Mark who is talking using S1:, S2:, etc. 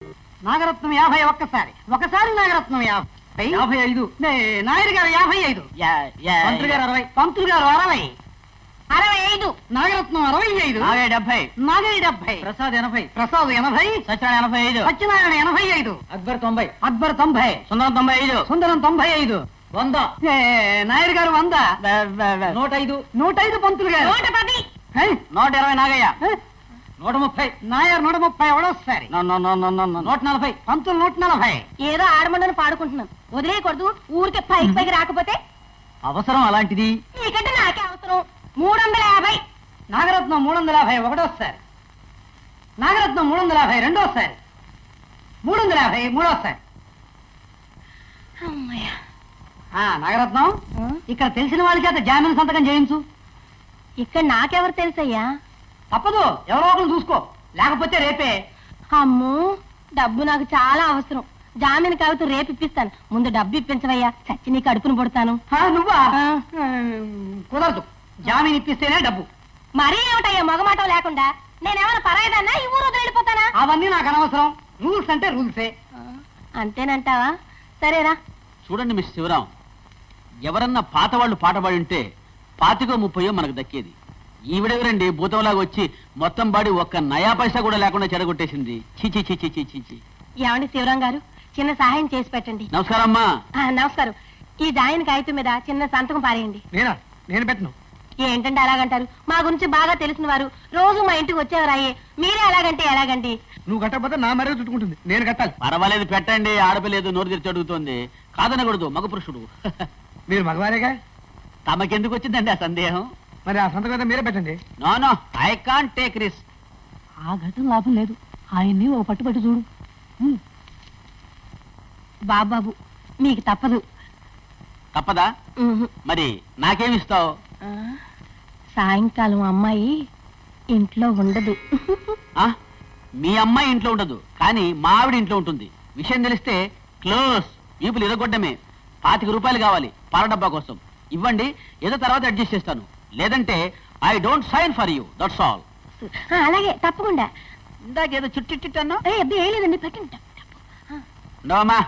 S1: నాగరత్నం 50 ఒక్కసారి నాగరత్నం 50.
S2: 55.
S1: నాయుడు గారు 55.
S2: మంత్రి గారు 60.
S1: పంతులు గారు 60. 65. నాగరత్నం 65.
S2: నాగయ్య 70.
S1: నాగయ్య 70.
S2: ప్రసాద్ 80.
S1: ప్రసాద్ 80.
S2: సత్యనారాయణ 85.
S1: సత్యనారాయణ 85.
S2: అక్బర్ 90.
S1: అక్బర్ 90.
S2: సుందరం 95.
S1: సుందరం 95.
S2: 100.
S1: నాయుడు గారు 100.
S2: 105.
S1: 105 పంతులు గారు.
S3: 110.
S2: 120 నాగయ్య. 130.
S1: నాయర్ 130 ఎవడోసారి.
S2: 140.
S1: పంతులు 140.
S3: ఏదో ఆడమండని పాడుకుంటున్నాం, వదిలేయకూడదు. ఊరికే పైకి రాకపోతే
S2: అవసరం అలాంటిది.
S3: నీకంటే నాకే అవసరం. 350.
S1: నాగరత్నం 350 ఒకటోసారి. నాగరత్నం 350 రెండోసారి. 350 మూడోసారి.
S3: అమ్మయ్య.
S1: నాగరత్నం ఇక్కడ తెలిసిన వాళ్ళ చేత జామీన్ సంతకం చేయించు.
S3: ఇక్కడ నాకెవరు తెలుసయ్యా?
S1: తప్పదు, ఎవరో ఒకరు చూసుకో, లేకపోతే రేపే.
S3: అమ్మో, డబ్బు నాకు చాలా అవసరం. జామీన్ కాగితం రేపు ఇప్పిస్తాను. ముందు డబ్బు ఇప్పించవయ్యా, చచ్చి నీ కడుపును పుడతాను.
S1: నువ్వా? కుదరదు, జామీన్ ఇప్పిస్తేనే డబ్బు.
S3: మరీ ఏమిటయ్యా మగమాటం లేకుండా? నేనేమైనా పరాయిదాన్నా? ఈ ఊరు వదిలి వెళ్ళిపోతానా?
S1: అవన్నీ నాకు అనవసరం. రూల్స్ అంటే రూల్సే.
S3: అంతేనంటావా? సరేరా.
S2: చూడండి మిస్ శివరాం, ఎవరన్నా పాత వాళ్ళు పాట పాడి ఉంటే 25-30 మనకు దక్కేది. ఈవిడెవరండి భూతంలాగా వచ్చి మొత్తం బాడి ఒక్క నయా పైసా కూడా లేకుండా చెడగొట్టేసింది. చీచి చీచి చీచి.
S3: ఏమండి శివరాం గారు, చిన్న సహాయం చేసి పెట్టండి.
S2: నమస్కారం అమ్మా.
S3: నమస్కారం. ఈ జాయిన్ కాగితం మీద చిన్న సంతకం పారేయండి.
S1: నేను పెట్టను.
S3: ఏంటంటే అలాగంటారు? మా గురించి బాగా తెలిసిన వారు, రోజు మా ఇంటికి వచ్చేవారాయే. మీరే అలాగంటే ఎలాగండి?
S1: నువ్వు కట్టకపోతే నా మరే చుట్టుకుంటుంది, నేను కట్టాలి.
S2: పర్వాలేదు, పెట్టండి. ఆడపిలేదు, నోరు తెరిచి అడుగుతోంది. కాదనకూడదు, మగ పురుషుడు.
S1: మీరు మగవారేగా.
S2: తమకెందుకు వచ్చిందండి ఆ సందేహం?
S1: మరి ఆ సంతకం మీరే పెట్టండి.
S2: No, I can't take risk.
S1: ఆ ఘటన లాభం లేదు, ఆయన్ని ఓ పట్టుబట్టి చూడు.
S3: బాబాబు, మీకు తప్పదు.
S2: తప్పదా? మరి నాకేమిస్తావు?
S3: సాయంకాలం అమ్మాయి ఇంట్లో ఉండదు.
S2: మీ అమ్మాయి ఇంట్లో ఉండదు, కానీ మా ఆవిడ ఇంట్లో ఉంటుంది. విషయం తెలిస్తే క్లోజ్, వీపులు ఇరగొడ్డమే. 25 రూపాయలు కావాలి పాల డబ్బా కోసం. ఇవ్వండి, ఏదో తర్వాత అడ్జస్ట్ చేస్తాను. లేదంటే I don't sign for you, that's all.
S3: అలాగే, తప్పకుండా.
S2: ఇందాకేదో చుట్టిట్టన్నా?
S3: ఏం లేదండి, పెట్టండి.
S2: ఉండవమ్మా,